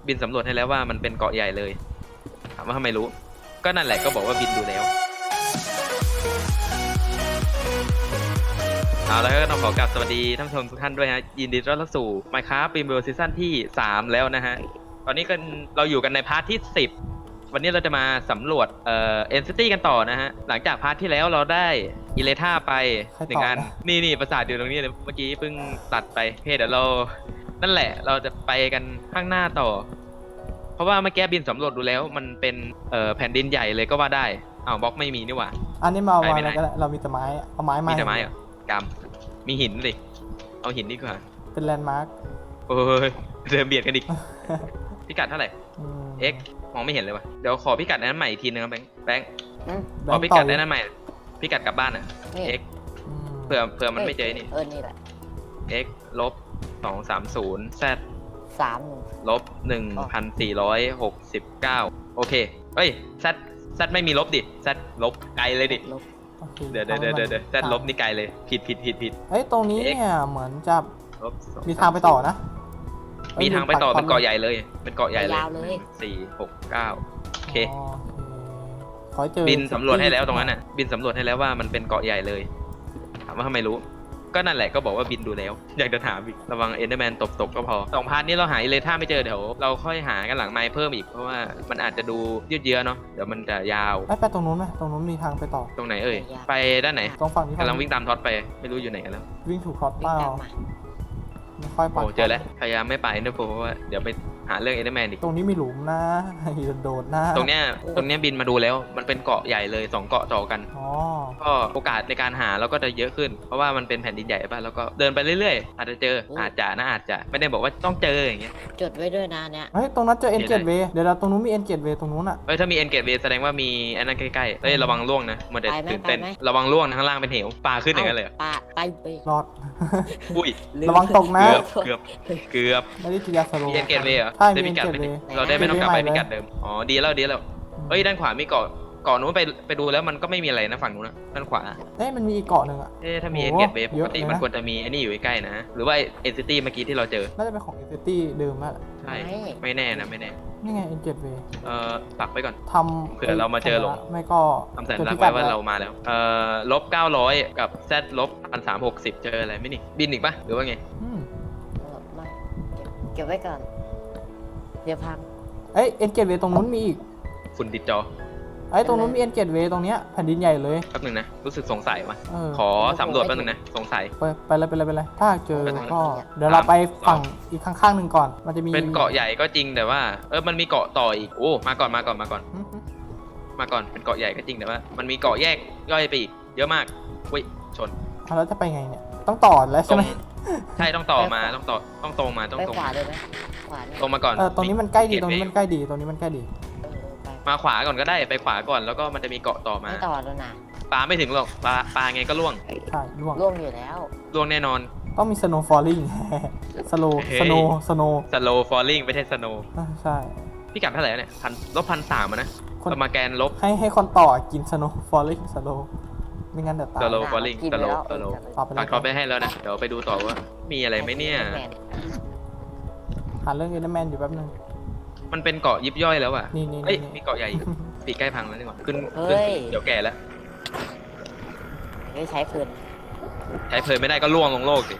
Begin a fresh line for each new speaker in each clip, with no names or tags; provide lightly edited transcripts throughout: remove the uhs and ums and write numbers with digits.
บินสำรวจให้แล้วว่ามันเป็นเกาะใหญ่เลยถามว่าทำไมรู้ก็นั่นแหละก็บอกว่าบินดูแล้วเอาแล้วก็ต้องขอกราบสวัสดีท่านผู้ชมทุกท่านด้วยฮะยินดีต้อนรับสู่ Minecraft Dreamworld ซีซั่นที่3แล้วนะฮะตอนนี้กันเราอยู่กันในพาร์ทที่10วันนี้เราจะมาสำรวจEntity กันต่อนะฮะหลังจากพาร์ทที่แล้วเราได้อิเลท่าไป1 อันนี่ปราสาทอยู่ตรงนี้เลยเมื่อกี้เพิ่งตัดไปเดี๋ยวเรานั่นแหละเราจะไปกันข้างหน้าต่อเพราะว่าเมื่อกี้บินสำรวจดูแล้วมันเป็นแผ่นดินใหญ่เลยก็ว่าได้อ้าวบล็อกไม่มีนี่หว่า
อันนี้มาอะไรก็ได้เรามีแต่ไม้เอาไม้มา
มีแต่ไม้เหรอกำมีหินดิเอาหินดีกว่า
เป็นแลนด์มาร์ค
โอ้ยเดินเบียดกันอีก พิกัดเท่าไหร่ x มองไม่เห็นเลยวะเดี๋ยวขอพิกัดนั้นใหม่อีกทีนึงครับแบงค์ขอพิกัดนั้นใหม่พิกัดกลับบ้านอ่ะ x เผื่อมันไม่เจอนี่
นี่แหละ
x ลบ230 z
3
ลบ1469โอเคเอ้ย z ไม่มีลบดิ z ลบไกลเลยดิเดี๋ยวz ลบนี่ไกลเลยผิด
เฮ้ยตรงนี้เนี่ยเหมือนจะมีทางไปต่อนะ
มีทางไปต่อเป็นเกาะใหญ่เลยเป็นเกาะใหญ่เลย469โอเคบินสำรวจให้แล้วตรงนั้นน่ะบินสำรวจให้แล้วว่ามันเป็นเกาะใหญ่เลยถามว่าทำไมรู้ก็นั่นแหละก็บอกว่าบินดูแล้วอยากจะถามอีกระวังเอนเดอร์แมนตบก็พอ2 พาร์ทนี้เราหาอิเลท่าไม่เจอเดี๋ยวเราค่อยหากันหลังไมค์เพิ่มอีกเพราะว่ามันอาจจะดูยืดเยื้อเนาะเดี๋ยวมันจะยาว
ไปตรงนู้นไหมตรงนู้นมีทางไปต่อ
ตรงไหนเอ่ยไปด้านไหน
ตรงฝั่งนี้
กำลังวิ่งตามท็อตไปไม่รู้อยู่ไหนกันแล้ว
วิ่งถูกท็อตเปล่าไม่ค่อยปัด
เจอแล้วพยายามไม่ไปนะเพราะว่าเดี๋ยวไปหาเรื่องเอเดอร์แมนอีก
ตรงนี้มีหลุมนะโดดนะ
ตรงเนี้ยบินมาดูแล้วมันเป็นเกาะใหญ่เลย2 เกาะต่อกันก็โอกาสในการหาเราก็จะเยอะขึ้นเพราะว่ามันเป็นแผ่นดินใหญ่ป่ะแล้วก็เดินไปเรื่อยๆอาจจะเจออาจจะไม่ได้บอกว่าต้องเจออย่างเงี้ย
จดไว้ด้วยนะเนี่ย
เฮ้ยตรงนั้นเจอเอ็นเกตเวย์เดี๋ยวตรงนู้นมีเอ็นเกตเวย์ตรงนู้นอ่ะ
ถ้ามีเอ็นเกตเวย์แสดงว่ามีอันนั้นใกล้ๆเฮ้ยระวังล่วงนะมันจะตื่นเต้นระวังล่วงข้างล่างเป็นเหวปลาขึ้นอย่างนั้นเลย
ปลาไป
รอด
อุ้ย
ระวังตกนะ
เกือบ
ไม่ได้จียาสโล
มีเอ็นเกตเวย์เหรอได้พิกัดเราได้ไม่ต้องกลับไปพิกัดเดิมอ๋อดีแล้วเฮ้ยด้านขวามีเกาะนู้นไปดูแล้วมันก็ไม่มีอะไรนะฝั่งนู้นนะด้านขวา
มันมีอีกเกาะหนึ่งอ่ะ
ถ้ามีเอ็นเกตเวย์ปกติมันควรจะมีไอ้นี่อยู่ใกล้ๆนะหรือว่าเอ็นซิตี้เมื่อกี้ที่เราเจอ
น่าจะเป็นของเอ็นซิตี้เดิมแล้ว
ใช่ไม่แน่
นี่ไงเอ็นเกตเวย์
ปักไปก่อน
ทำ
เผื่อเรามาเจอหลง
ไม่ก็
ทำสัญลักษณ์ไว้ว่าเรามาแล้วลบ900กับ z ลบ1360เจออะไรไม่นี่บินอีกปะหรือว่าไง
เก็บไว้ก่อนเดี๋ยวพัง
เอ็นเกตเวย์ตรงนู้นมีอีก
ฝุ่นติดจอ
ตรงนู้นมีเอ็นเกตเวย์ตรงเนี้ยแผ่นดินใหญ่เลย
แป๊บนึงนะรู้สึกสงสัยว่ะขอสำรวจแป๊บนึงนะสงสัย
ไปเลยถ้าเจอก็เดี๋ยวเราไปฝั่งอีกข้างๆหนึ่งก่อนมันจะมี
เป็นเกาะใหญ่ก็จริงแต่ว่ามันมีเกาะต่ออีกโอ้มาก่อนเป็นเกาะใหญ่ก็จริงแต่ว่ามันมีเกาะแยกย่อยไปอีกเยอะมากอุ้ยชน
แล้วจะไปไงเนี่ยต้องต่อแล้วใช่ไหม
ใช่ต้องต่อมาต้องตรงมา
ขวาเลยไหมขวา
ตรงมาก่อน
ตรงนี้มันใกล้ดีตรงนี้มันใกล้ดี
มาขวาก่อนก็ได้ไปขวาก่อนแล้วก็มันจะมีเกาะต่อมา
ไม่ต่อแล้วนะ
ปลาไม่ถึงหรอกปลาไงก็ล่วง
ใช่
ล่วงอยู่แล้ว
ล่วงแน่นอน
ต้องมี snow falling สโล
ว์ falling ไม่ใช่ snow
ใช่
พี่กัดเท่าไหร่เนี่ย1,300นะสมาแกนลบ
ให้คนต่อกิน snow falling สโลไม่งั้นเดี๋ยวตาย
snow falling สโลปักท็อปไปให้แล้วนะเดี๋ยวไปดูต่อว่ามีอะไรไหมเนี่ย
หาเรื่องเอเดอร์แมนอยู่แป๊บนึง
มันเป็นเกาะยิบย่อยแล้วอ่ะ
นี่
มีเกาะใหญ่ปีใกล้พังแล้วนี่หว่าขึ้นเดี๋ยวแก่แล้ว
ใช้เพ
ลินไม่ได้ก็ล่วงลงโลกสิ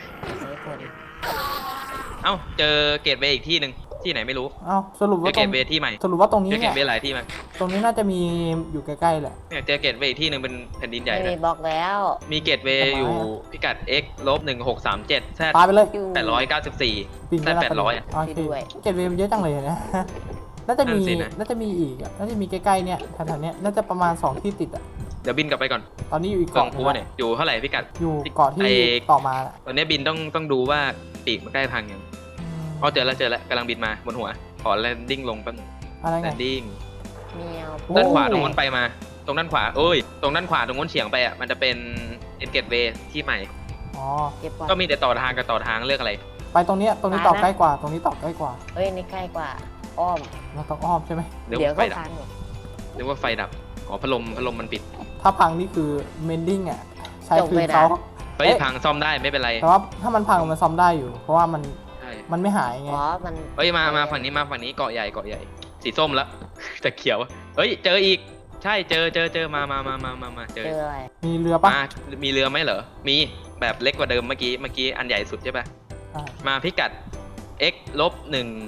เอ้าเจอเกตเวย์อีกที่หนึ่งที่ไหนไม่รู้
สรุปว่า
เกตเวย์ที่ใหม่
สรุปว่าตรงนี้
เจอเกตเวย์หลายที่มั้ย
ตรงนี้น่าจะมีอยู่ใกล้ๆแหละ
เนี่ยเจอเกตเวย์อีกที่หนึ่งเป็นแผ่นดินใหญ่
มีบล็อกแล้ว
มีเกตเวย์อยู่พิกัด x ลบ1637 z
ปาไปเลย
894 z 800
โอเคเกตเวย์มันเยอะจังเลยนะน่าจะมีอีกน่าจะมีใกล้ๆเนี่ยแถวๆนี้น่าจะประมาณ2ที่ติดอ่ะ
เดี๋ยวบินกลับไปก่อน
ตอนนี้อยู่อีกเกาะนึง
เนี่ยอยู่เท่าไหร่พิกัด
อยู่เกาะที่ต่อมา
ตอนนี้บินต้องดูว่าปีกมันใกล้พังยังเจอแล้วกำลังบินมาบนหัวขอแลนดิ้งลงแป๊บนึงแลนดิ้งด้านขวาตรงนู้นไปมาตรงด้านขวาตรงด้านขวาตรงนู้นเฉียงไปอ่ะมันจะเป็นเอ็นเกตเวย์ที่ใหม่ก็มีแต่ต่อทางกับต่อทางเลือกอะไร
ไปตรงนี้ต่อใกล้กว่าตรงนี้ต่อใกล้กว่า
นี่ใกล้กว่าอ้อม
เราต้องอ้อมใช่ไหม
เดี๋ยวไฟดับหรือว่าไฟดับพัดลมมันปิด
ถ้าพังนี่คือเมนดิ้งอ่ะใช้คืนเขา
พังซ่อมได้ไม่เป็นไร
แต่ว่าถ้ามันพังมันซ่อมได้อยู่เพราะว่ามันมันไม่หายไง
อ๋อมัน
เอ้ยมาฝั่งนี้มาฝั่งนี้เกาะใหญ่สีส้มแล้ว แต่เขียวเอ้ยเจออีกใช่เจอมาเจอ
เจออะไร
มีเรือปะ
มีเรือไหมเหรอมีแบบเล็กกว่าเดิมเมื่อกี้อันใหญ่สุดใช่ปะ
ใช่
มาพิกัด x ลบ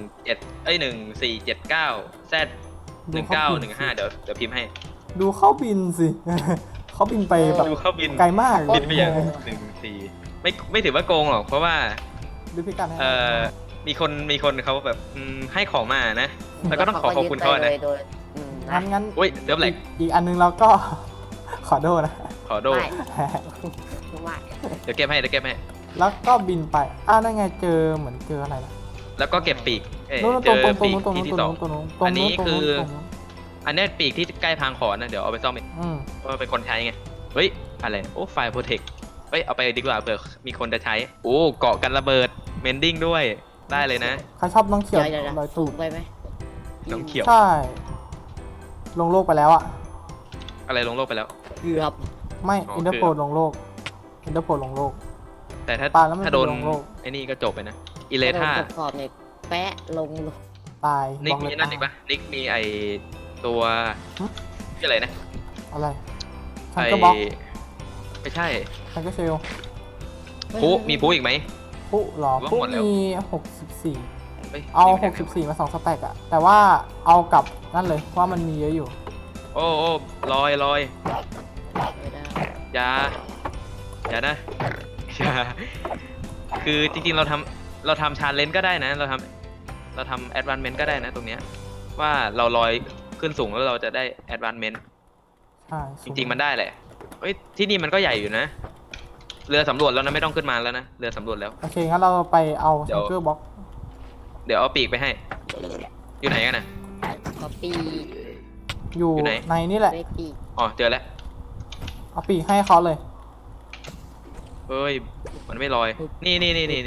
1479 z 1915เดี๋ยวพิมพ์ให้
ดูเข้าบินสิ เขาบินไปแบบ
ดูเข้าบิน
ไกลมาก
บินไปอย่าง14ไม่ถือว่าโกงหรอกเพราะว่า
ดูพิกัดให้
มีคนเขาแบบให้ของมานะ แล้วก็ต้องขอบคุณเขา
ยึดไป
นะ
เลยโดยนะ
งั้น
อุ้ยเริ่มแหลก
อีกอันนึงเราก็ ขอโทษนะ
ขอโด
ไม่ไม่
เดี๋ยวเก็บให้
แล้วก็บินไปนั่นไงเจอเหมือนเจออะไรนะ
แล้วก็เก็บปีก
นู้น
เจ
ตรง
อปีก
ตรง
ที่
นู้น
ที่
ต
ส
ร
อง ง
นู้นตรงนู้น
อันนี้คือ
ตรงนู้น
อันนี้ปีกที่ใกล้พังขอนนะเดี๋ยวเอาไปซ่อมเอง เพราะว่าเป็นคนใช้ไงเฮ้ยอะไรโอ้ไฟล์โปรเทคเฮ้ยเอาไปดีกว่าเผื่อมีคนจะใช้โอ้เกาะกันระเบิดเมนดิ้งด้วยได้เลยนะ
ใครชอบน้องเขียว
เดี๋ยว
รอยตูด
ไปไหม
น้องเขียว
ใช่ ลงโลกไปแล้วอะ
อะไรลงโลกไปแล้ว
เกือบ
ไม่
อ๋อ
อินเตอร์โพลลงโลกอินเตอร์โพลลงโลก
แต่ถ้า
ปาแล้วมัน
ถ้าโดน
ลงโลก
ไอ้นี่ก็จบไปนะอิเลท่า
ขอบเนี่ยแปะลง
ตาย
นิก
บอก
มี
เลย
นั่นอีกปะนิกมีไอตัวชื่ออะไรนะ
อะไรฉัน
ไอ
ก็บล็อก
ไม่ใช่
ฉันก็เชล
พุมีพุอีกไหม
ปุ๊หรอ
ว่า
ปุ๊
หมดแล้ว
มี64
เฮ้ย
เอา
มีไหม
64 มา2สแต็กอะแต่ว่าเอากลับนั่นเลยเพราะว่ามันมีเยอะอยู่
โอ้ลอย
ไม่ได้
อย่านะอย่าคือจริงๆเราทำชาเลนจ์ก็ได้นะเราทำแอดวานเมนต์ก็ได้นะตรงเนี้ยว่าเราลอยขึ้นสูงแล้วเราจะได้แอดวานเมนต์
ใช่
จริงๆมันได้แหละเฮ้ยที่นี่มันก็ใหญ่อยู่นะเรือสำรวจแล้วนะไม่ต้องขึ้นมาแล้วนะเรือสำรวจแล้ว
โอเคงั้นเราไปเอา
เดี๋ยว
ซังเกอร์บ็อก
เดี๋ยวเอาปีกไปให้ อยู่ไหนกันนะ
ขอปี
อยู่
อยู่ไหน
ในนี่แหละ
เล็กปี
อ๋อเจอแล้ว
เอาปีกให้เขาเลย
เฮ้ยมันไม่ลอยนี่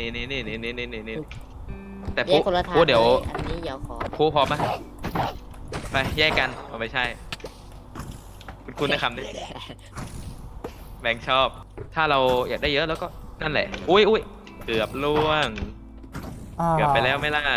แต่
แยกคนละทาง
เดี๋ยว
อันนี้เดี๋ยวขอ
พูพร้อมปะไปแยกกันเอาไม่ใช่ คุณได้คำนี้แบงค์ชอบ ถ้าเราอยากได้เยอะแล้วก็นั่นแหละ อุ้ยเกือบล่วง เกือบไปแล้วไหม่ล่ะ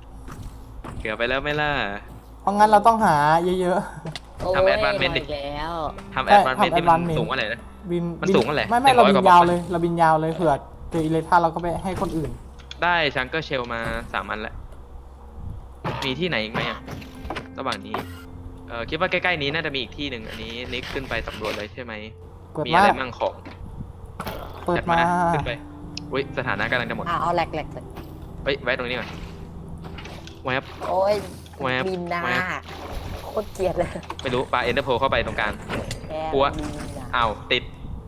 เพราะงั้นเราต้องหาเยอะ
ทำ advancement ดิ
โอ้ยแล้ว
ทำแอดวานเมนที่มันสูงอะไรนะ
ๆ บิน
มันสูงอะไร
ไม่เรา
100
บิ
ก
น
ว่าบล็อก
ยาว
นะ
เลยเราบินยาวเลยเผื่อเจออิเลท่าเราก็ไปให้คนอื่น
ได้ชังเกอร์เชลมา3 อันแล้ว มีที่ไหนอีกไหมอะระหว่างนี้ คิดว่าใกล้ๆนี้น่าจะมีอีกที่หนึ่งอันนี้นิกขึ้นไปสำรวจเลยใช่ไหม
เปิด
มี
มา
อะไรมั่งของ
เปิด
จัด
มา
ขึ้นไปอุ้ยสถานะกำลังจะหมด
เอาแหลก
เฮ้ยไว้ตรงนี้ก่อนแวบ
โอ้ย
แวบ
บินนา
แวบ
โคตรเกลียดเลย
ไม่รู้ปลาเอ็นเตอร์โพเข้าไปตรงกลาง
แก
กลัว
บินน่ะ
อ้าวติด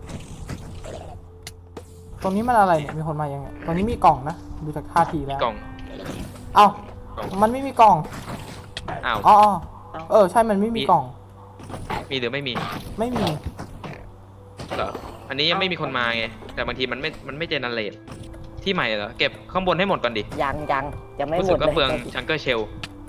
ตรงนี้มันอะไรเนี่ยมีคนมายังไงตรงนี้มีกล่องนะดูจากท่าทีแล้ว
กล่อง
เอ้าก
ล่อง
มันไม่มีกล่อง
อ้าว
อ๋อใช่มันไม่มีกล่อง
มีหรือไม่มี
ไม่มี
เหรออันนี้ยังไม่มีคนมาไงแต่บางทีมันไม่เจเนเรตที่ใหม่เหรอเก็บข้างบนให้หมดก่อนดิ
ยังไม่
รู้
หม
สึ
ด
กก็
เลย
เปลืองชังเกอร์เชล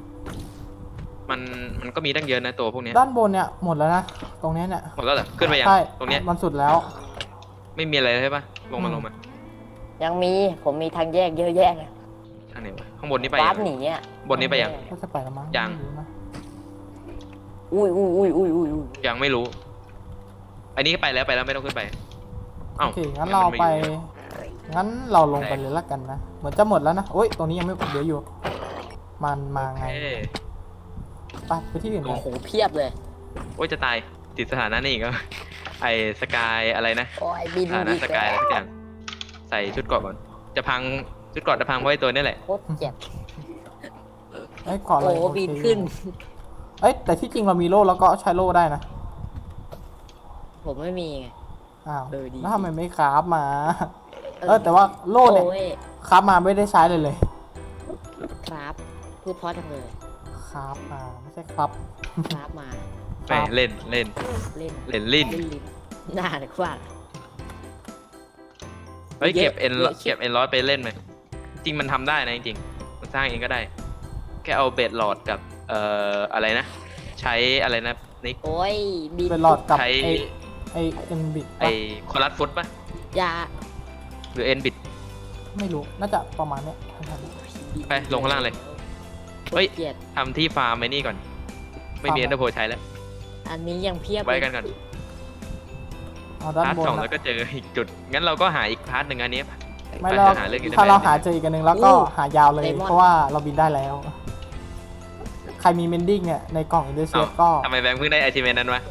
มันก็มีตั้งเยอะนะตัวพวกเนี้ย
ด้านบนเนี่ยหมดแล้วนะตรงเนี้ยเนี่ย
หมดแล้วเหรอขึ้นไปยัง
ใช่
ตรงเนี้ย
มันสุดแล้ว
ไม่มีอะไรเลยใช่ปะลงมา
ยังมีผมมีทางแยกเยอะแยะเลย
ทางไหนวะข้างบนนี้ไป
วา
ยั
ร์ป
ง
หนีอ่ะ
บนนี้ไปยัง
ก็จะไปแล้วมั้ง
ยัง
ไม่รู้นะ
อุ้ย
ยังไม่รู้ อันนี้ไปแล้วไม่ต้องขึ้นไป
โอเคงั้นเราไปงั้นเราลงไปเลยละกันนะเหมือนจะหมดแล้วนะโอ้ยตรงนี้ยังไม่เดี๋ยวอยู่ มันมาไง
เอ้ย
ไปที่อื่น
โอ้
กั
โอ้
น
โหเพียบเลย
โอ้ยจะตายติดสถานะนี่อีก็ ไอสกายอะไรนะ
โอ้ยบิน
สถานะ
อีก
สกายอะไร
แล้ว
สักอย่างใส่ชุดเกราะก่อนจะพังชุดเกราะจะพังเพราะไอ้ตัวนี้แหละ
โคตรเจ็บ
เอ้ยขออะไร
โอ้
โอเค
บินขึ้น
เอ้ยแต่ที่จริงเรามีโล่แล้วก็ใช้โล่ได้นะ
ผมไม่มีไง
อ้าว
ดี
แล้วทำไมไม่คราฟมาแต่ว่าโล่เนี่ย
โอ้ย
คราฟมาไม่ได้ใช้เลย
ครับพูดเพราะจังเลย
คราฟมาไม่ใช่ครับ
ครับมา
แหมเล่น
เล่น
ลิ้น
ลิ้นน่าหรือว่า
เฮ้ย
เยอะ
เก็บเอ็น
เยอะ
เก็บเอ็นร้อยไปเล่นไหมจริงมันทำได้นะจริงๆมันสร้างเองก็ได้ แค่เอาเบดหลอดกับอะไรนะ ใช้อะไรนะนิก
โอ้ยบิน
เป็นหลอดกับ
ใช้
ไอเอ็นบิด
ไอคอรัสฟุตปะ
ยา
หรือเอ็นบิด
ไม่รู้น่าจะประมาณเนี้ยทัน
ย
ไปลงข้างล่างเลย เฮ้ย
เกลียด
ทำที่ฟาร์มไอ้นี่ก่อน ไม่มีเอ็นเตอร์โพใช้แล้ว
อันนี้ยังเพียบ
ไว้กันก่อน
เอาด้าน
พาร์ท
บน
สอง
นะ
แล้วก็เจออีกจุด งั้นเราก็หาอีกพาร์ทหนึ่งอันนี้
ไม่
ไป
เรา
หาเรื่องอินเตอร์
ถ้าเรา
แมน
หาเจออีกอันหนึ่งแล้วก็หายาวเลย เพราะว่าเราบินได้แล้ว ใครมีเมนดิ้งเนี่ยในกล่องอินเดอร์เซ
เอ้า
ก็
ทำไมแบงค์เพิ่งได้ไอชิเมนนั้นวะ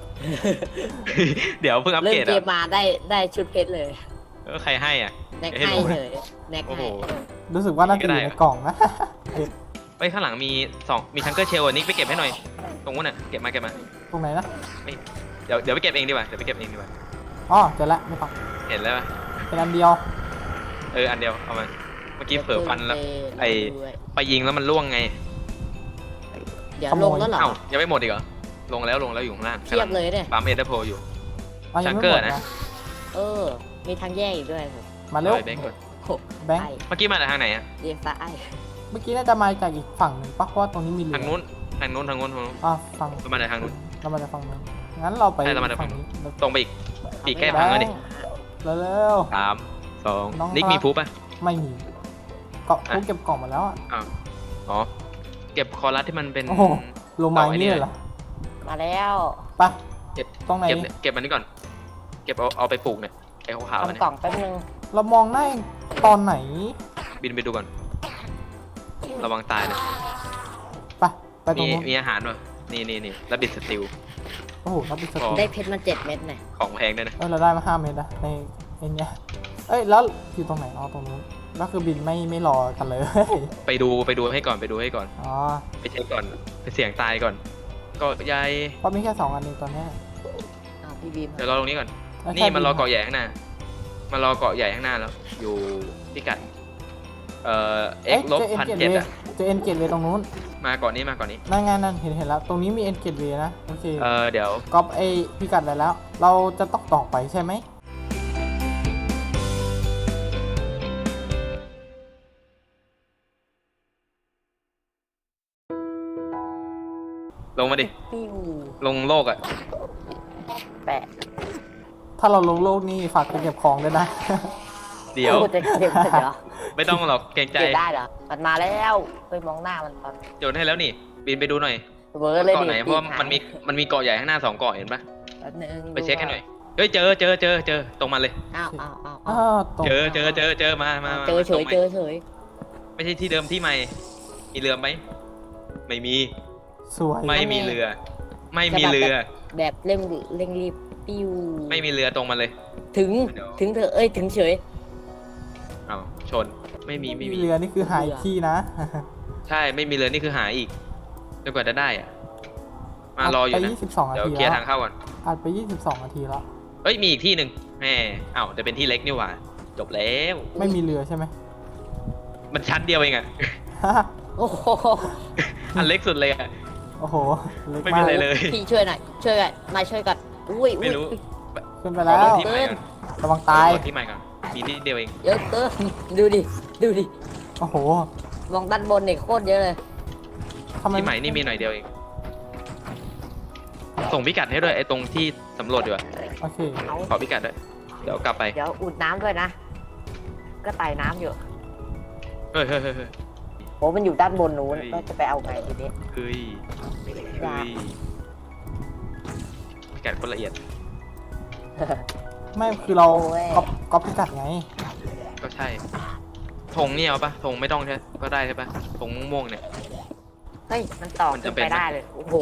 เดี๋ยวเพิ่งอัป
เริ่
เก
ม
รด
เก
อ่ะ
มมาได้ชุดเพชรเลย
ใครให้อ่ะ
แน็ก
ให้
ให้
ดู
เลยแน็ก
โอ้โห
ให้
รู้สึกว่าน่าจะอยู่ในกล่องนะ
ไปข้างหลังมีมีชังเกอร์เชลนิกไปเก็บให้หน่อย ตรงนู้นน่ะ เก็บมา
ตรงไหนนะ
เดี๋ยวไปเก็บเองดีกว่า
อ๋อเจอแล้วไม่ต้อง
เห็นแล้วปะ
เป็นอันเดียว
อันเดียว เอามา เมื่อกี้เผลอฟันแล้ว ไอ้
ด้วย
ไปยิงแล้วมันล่วงไง
เดี๋ยวลงแล้วเหรอ
เอ้ายังไม่หมดอีกเหรอ ลงแล้วอยู่ข้างล่าง
เทียบเลยเนี่ย
ปั๊มเอเดอร์โพอยู่
อ๋อยังไม่
ชังเกอ
ห
ร์
มด
นะ
นะ
เออ มีทางแยกอีกด้วยผม
มาเร็ว
แบงค์ก่อน
โอ้
แบงค์
ไอ้
เมื่อกี้มาจากทางไหนอะ
เรียกซ้าย
เมื่อกี้น่าจะมาจากอีกฝั่งหนึ่งปะเพราะว่าตรงนี้มีเรือ
ทางนู้น
อ่ะฝั่ง
มาจากทางนู้น
เรามาจากฝั่งนู้นงั้นเราไป
ใช่เรามาจากฝั่
ฝั่ง
งนู้
นี้
น ตรงไปอีก ปีกแก้พังแล้วดิ
เร็ว
3
น้อง
2 นิก
ครับ
มีพูปะ
ๆไม่มีเกาะกูเก็บกล่องมาแล้วอ่ะ
อ้าวอ๋อ เก็บคอรัสที่มันเป็น
โอ้โห ลงมาอย่างนี่เลยเหรอ
มาแล้ว
ไป
เก็บ
ตรงไหน
เก็บมันนี่ก่อน เก็บเอาไปปลูกเนี่ยไอ้ขาวๆเนี่ย
ทำกล่องแป๊บนึง
เรามองได้ตอนไหน
บินไปดูก่อน ระวังตายเลย
ไปตรงนู้น
มีอาหารป่ะนี่แล้วบิดสติล
โอ้โหเราไปส
อ๋อ
ติ
ได้เพชรมา7 เม็ดเนี่ย
ของแพงด้วยนะ
เราได้มา5 เมตรนะในเนี้ยเอ้ยแล้วอยู่ตรงไหนอ๋อตรงนู้นก็คือบินไม่รอกันเลย
ไปดูให้ก่อน
อ๋อ
ไปเช็คก่อน ไปเสี่ยงตายก่อน ก็ยาย
เพราะมีแค่2 อันเองตอนเนี้ย
อ้าวพี่บีม
เดี๋ยวรอตรงนี้ก่อน
แล้ว
นี่
แค่
มันรอ
บิ
เกาะใหญ่ข้างหน้า แล้ว อยู่พิกัด
เอ้ย
ลบ
เจอเอ็น
พัน
เกต
เจ็ด
เว
อะ
เจอเอ็นเกตเวตรงนู้น
มาก่อนนี้
นั่นไงนั่นเห็นแล้ว ตรงนี้มีเอ็นเกตเวนะโอเค
เดี๋ยว
ก๊อปไอพิกัดอะไรแล้ว เราจะต้องต่อไปใช่ไหม
ลงมาดิ
ปิ้ว
ลงโลกอะ
แปะ
ถ้าเราลงโลกนี่ฝากไปเก็บของด้วยนะ
เดี๋ยว
โอ้จะเก็บเหรอ
ไม่ต้องหรอกเกรงใจ
เก็บได้เหรอ มันมาแล้วไปมองหน้ามันตอน
โยนให้แล้วนี่ บินไปดูหน่อย
เวอร์เลย
เกาะ
ดิ
ไหน เพราะว่ามันมีเกาะใหญ่ข้างหน้า2 เกาะเห็นปะ
แป๊บนึง
ไปเช็คให้หน่อย เฮ้ยเจอตรงมาเลย
อ้าว
อ้าวตรง
เจอมา
เจอเฉย
ตรง
เจอเฉย
ไม่ใช่ที่เดิมที่ใหม่ มีเรือไหม ไม่มี
สวย
ไม่มีเรือ ไม่มีเรือ
แบบเร่งรีบปิ้ว
ไม่มีเรือตรงมาเลย
ถึงเธอเอ้ยถึงเฉย
อ้าวชน ไม่มี
เรือนี่คือหายที่นะ
ใช่ ไม่มีเรือนี่คือหาอีกจนกว่าจะได้อะมารออยู่
ไป
นะ
22 นา
เดี๋ยว
ที
เคลีย
แล้
ร์
ว
ทางเข้าก่อน
อัดไป22 นาทีแล้ว
เอ้ยมีอีกที่หนึ่งแหมอ้าวแต่เป็นที่เล็กนี่หว่า จบแล้ว
ไม่มีเรือใช่ไหม
มันชั้นเดียวเองอะ
โอ้โห
อันเล็กสุดเลยอะ
โอ้โหเล็ก
ไม่
มา
มี
ก
อะไรเลย
พี่ช่วยหน่อยช่วยกันมาช่วยกันอุ้ย
ไม่รู้
ขึ้นไป
ขอ
แล้
ลง
ว
ที่ใหม่ก่อน
ระวังตาย
ขอลงที่ใหม่ก่อนมีที่เดียวเอง
เยอะเกินดูดิ
โอ้โห
มองด้านบนเนี่ยโคตรเยอะเลย
ทำไม
ที่ใหม่นี่มีหน่อยเดียวเอง ส่งพิกัดให้ด้วยไอ้ตรงที่สำรวจดีกว่า
โอเค
เอา
ขอพิกัดด้วย เดี๋ยวกลับไป
เดี๋ยวอุดน้ำด้วยนะ ก็ไต่น้ำอยู่
เฮ้ย
โอ้มันอยู่ด้านบนนู้น
เฮ้ย
ก็จะไปเอาไงทีนี้
เฮ้ยพิกัดคนละเอียด
ไม่คือเรา
โอ้ย
ก๊อปพิกัดไง
ก็ใช่ธงนี่เอาปะธงไม่ต้องใช่ก็ได้ใช่ปะธงม่วงๆเนี่ย
เฮ้ยมันต่อ
มัน
ขึ้
จะ
น
เป็น
ไป
ไหม
ได้เลยโอ้โห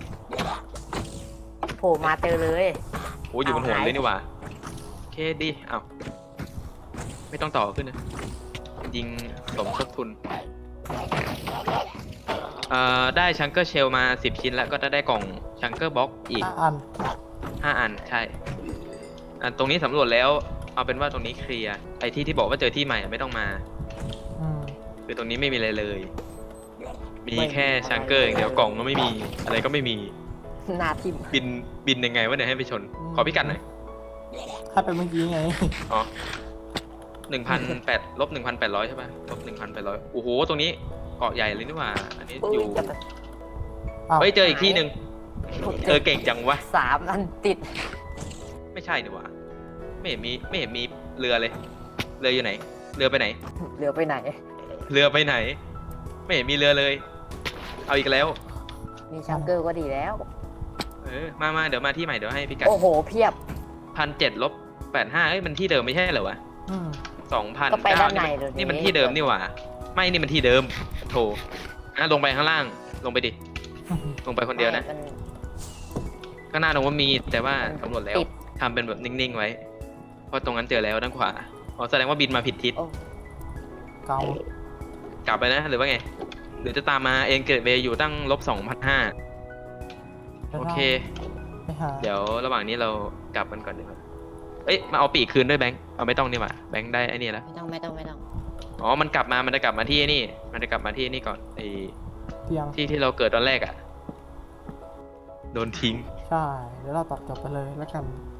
โผล่มาเจอเลย
โอ้ยอยู่บนหัว
เอาหาย
เลยนี่หว่าโอเคดีเอ้าไม่ต้องต่อขึ้นนะยิงสมทบทุนได้ชังเกอร์เชลมา10 ชิ้นแล้วก็จะได้กล่องชังเกอร์บ็อกอีก
อัน
5 อันใช่ตรงนี้สำรวจแล้วเอาเป็นว่าตรงนี้เคลียร์ไอ้ที่บอกว่าเจอที่ใหม่ไม่ต้องมา
อืม
คือตรงนี้ไม่มีอะไรเลย มีแค่ชังเกอร์อย่างเดียวกล่องก็ไม่มีอะไรก็ไม่มี
หนาทิม
บินยังไงวะเนี่ยให้ไปชน ขอพิกัดหน่อย
ถ้าเป็นเมื่อกี้ไง
อ๋อ1,800ลบ 1,800 ใช่ป่ะลบ 1,800 โอ้โห ตรงนี้เกาะใหญ่เลยนี่หว่า อันนี้อยู่
อ้าว
เฮ้ย เจออีกที่หนึ่งเก่งจังวะ
3 อันติด
ไม่ใช่นี่หว่าไม่เห็นมีเรือเลย เรืออยู่ไหน เรือไปไหน
เหลือไปไหน
เรือไปไหน ไม่เห็นมีเรือเลย เอาอีกแล้ว
มีชังเกิลก็ดีแล้ว
มาเดี๋ยวมาที่ใหม่เดี๋ยวให้พิกัด
โอ้โหเพียบ
1,700-85เอ้ยมันที่เดิมไม่ใช่เหรอวะ
อืม
2,000
ก็ไปด้านในเลย
นี่มันที่เดิมนี่หว่าไม่นี่มันที่เดิมโถลงไปข้างล่างลงไปดิลงไปคนเดียวนะ
มั
ข้างหน้าตรงว่ามีแต่ว่า
มัน
สำรวจแล้ว
ติด
ทำเป็นแบบนิ่งๆไว้ เพราะตรงนั้นเจอแล้วด้านขวาอ๋อแสดงว่าบินมาผิดทิศ
โอ้
เกาก
ลับไปนะหรือว่าไงหรือจะตามมาเองเกิดเวย์อยู่ตั้ง-2,500โอเค
ไปหา
เดี๋ยวระหว่างนี้เรากลับกันก่อนดีกว่าเอ้ยมาเอาปีกคืนด้วยแบงค์เอาไม่ต้องนี่หว่าแบงค์ได้ไอ้นี่แล้ว
ไม่ต้อง
อ๋อมันจะกลับมาที่นี่มันจะกลับมาที่นี่ก่อนไอ้
เตียง
ที่เราเกิดตอนแรกอะโดนทิ้ง
ใช่เดี๋ยวเราตัดจบไปเลยแล้วกัน